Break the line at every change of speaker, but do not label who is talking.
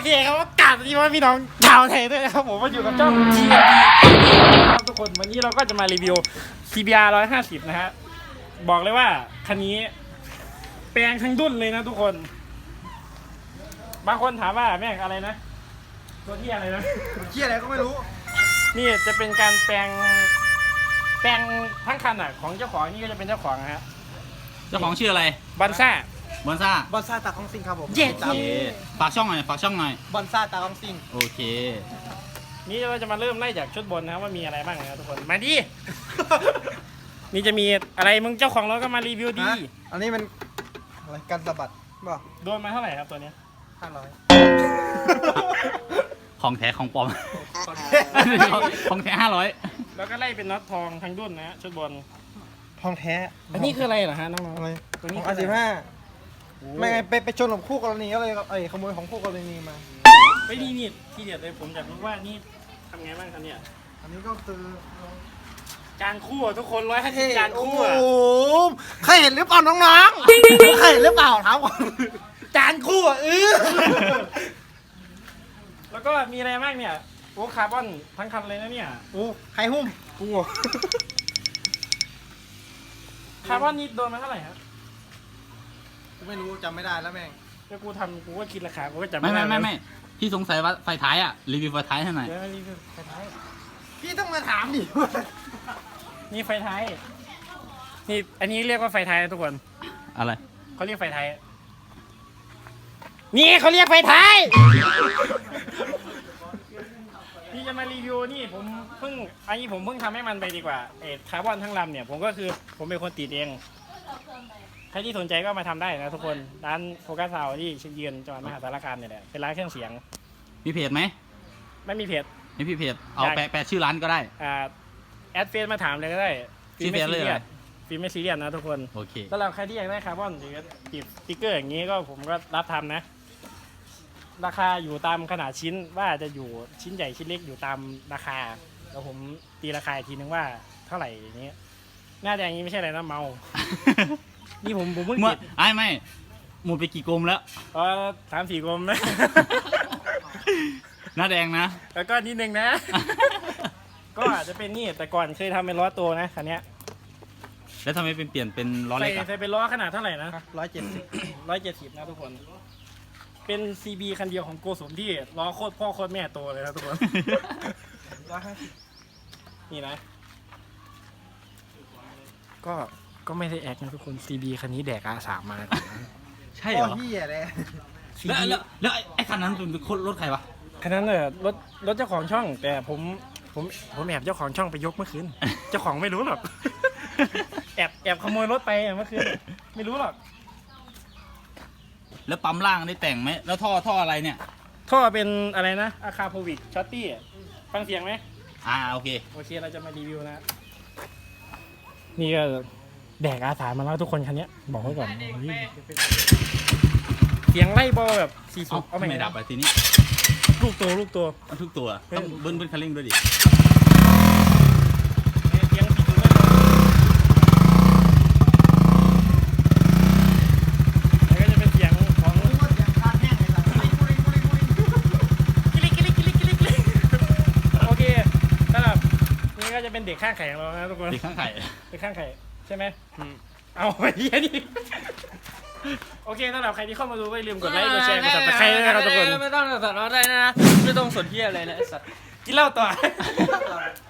เคครับกราบสวัสดีพี่น้องชาวไทยด้วยนะครับผมมาอยู่กับช่อง TNT ครับทุกคนวันนี้เราก็จะมารีวิว CBR 150นะฮะบอกเลยว่าคันนี้แปลงทั้งดุ้นเลยนะทุกคนบางคนถามว่าแม่งอะไรนะตัวที่อะไรนะ
เชี่ยอะไรก็ไม่รู้
นี่จะเป็นการแปลงทั้งคันอ่ะของเจ้าของนี่ก็จะเป็นเจ้าของนะฮะ
เจ้าของชื่ออะไร
บันซ่า
บอนซ่า
บอนซ่าตาของซิงครับผม
เย้
โอเคฝากช่องหน่อยฝากช่องหน่อย
บอนซ่าตาของซิง
โอเค
นี่เราจะมาเริ่มไล่จากชุดบนนะครับว่ามีอะไรบ้างนะครับทุกคนมาดิ นี่จะมีอะไรมึงเจ้าของเราก็มารีวิวดี
อันนี้มันอะไรกันสะบัดบ่
โดนมาเท่าไหร่ครับตัวเนี้ย
500
ของแท้ของปลอม ของแท้500
แล้วก็ไล่เป็นน็อตทองทั้งดุ้นนะฮะชุดบน
ทองแท้
อันนี้คืออะไรเหรอฮะน้อง
อะไร
ๆตัวนี้
ของ
คืออะไร
R15ไม่ไงไปชนกับคู่กรณีก็เลยขโมยของคู่กรณีมา
ไม่ดีนี่ที่เด็ดเลยผมอยากรู้ว่านี่ทำไงบ้างครับเนี่ย
อันนี้ก็คือ
จานคู่อะทุกคน150จานคู่อะ
โอ้เคยเห็นหรือเปล่าน้องๆเคยเห็นหรือเปล่าถามก่อน
จานคู่อะแล้วก็มีอะไรบ้างเนี่ยโอ้คาร์บอนทั้งคันเลยนะเนี่ย
โอ้ใครหุ้มกู
คาร์บอนนี่โดนมาเท่าไหร่ครับ
กูไม่รู้จำไม่ได้แล้วแม่ง
แล้วกูทำกูก็คิดราคากูก็จำ
ไม่
ได้
ไม่พี่สงสัยว่าไฟท้ายอ่ะรีวิวไฟท้ายให้หน่อย
เดี๋ยวมารีวิวไฟท้าย
พี่ต้องมาถามดิ
นี่ไฟท้ายนี่อันนี้เรียกว่าไฟท้ายนะทุกคน
อะไร
เขาเรียกไฟท้ายนี่เขาเรียกไฟท้ายที่จะมารีวิวนี่ผมเพิ่งทำให้มันไปดีกว่าคาร์บอนทั้งลำเนี่ยผมก็คือผมเป็นคนติดเองใครที่สนใจก็มาทำได้นะทุกคนร้านโฟกัสซาวที่เชียงยืนจังหวัดมหาสารคามเนี่ยแหละเป็นร้านเครื่องเสียง
มีเพจไหม
ไม่มีเพจ
ไม่พี่เพจเอาแปะชื่อร้านก็ได้
แอดเฟซมาถามเลยก็ได้
ชื่อเฟซเลยเหรอ
ฟิล์มไม่ซีเรียสนะทุกคน
โอเค
สำหรับใครที่อยากได้คาร์บอนหรือติดสติ๊กเกอร์อย่างนี้ก็ผมก็รับทำนะ ราคาอยู่ตามขนาดชิ้นว่าจะอยู่ชิ้นใหญ่ชิ้นเล็กอยู่ตามราคาแล้วผมตีราคาอีกทีนึงว่าเท่าไหร่อย่างนี้หน้าแดงนี้ไม่ใช่อะไรนะเมา นี่ผมเพิ่ง
เมื่อ
ติด
ไม่หมดไปกี่กลมแล้ว
3-4กลมนะ
หน้าแดงนะ
แล้วก็นิดนึงนะ ก็อาจจะเป็นนี่แต่ก่อนเคยทำเป็นล้อตัวนะคันเนี้ย
แล้วทำไมเป็นเปลี่ยนเป็นล้อเล็กอ่ะ
ใส่เป็นล้อขนาดเท่าไหร่นะ
170
170นะทุกคน เป็น CB คันเดียวของโกสมที่ล้อโคตรพ่อโคตรแม่โตเลยนะทุกคน
150
นี่นะ ก็ไม่ได้แอคนะทุกคน CB คันนี้แดกอาสามมา
ใช่เหรอ
โเหี้ยเลย
แล้วไอ้คันนั้นเป็นรถใครวะ
คันนั้นเนี่ยรถเจ้าของช่อง แต่ผมแอบเจ้าของช่องไปยกเมื่อคืน เจ้าของไม่รู้หรอก แอบขโมยรถไปเมื่อคืนไม่รู้หรอก
แล้วปั๊มล่างได้แต่งไหมแล้วท่ออะไรเนี่ย
ท่อเป็นอะไรนะอาคาโพวิกช็อตตี้ฟังเสียงไหม
โอเค
โอเคเราจะมารีวิวนะ นี่ก็แดกอาสามาแล้วทุกคนคันนี้บอกไว้ก่อนเสียงไล่บอลแบบ40เอาใหม่
ไม่ดับไปทีนี้
ลูกตัว
เอาทุกตัวต้องเบิ้ลคันเร่งด้วยดิ
เสียง40ไล่บอลแล้วก็จะเป็นเสียงของโอเคสำหรับนี่ก็จะเป็นเด็กข้างไข่ของเรานะทุกคน
เด็กข้างไข่
เด็กข้างไข่ใช่ไหมเอาไอ้เหี้ยนี่โอเคสำหรับใครที่เข้ามาดูก็อย่าลืมกดไลค์กดแชร์กดซับสไครต์ด้วยนะครับทุกคน
ไม่ต้องสนอะไรนะ ไม่ต้องสนที่อะไรนะไอ้สัตว์
กินเหล้าต่อ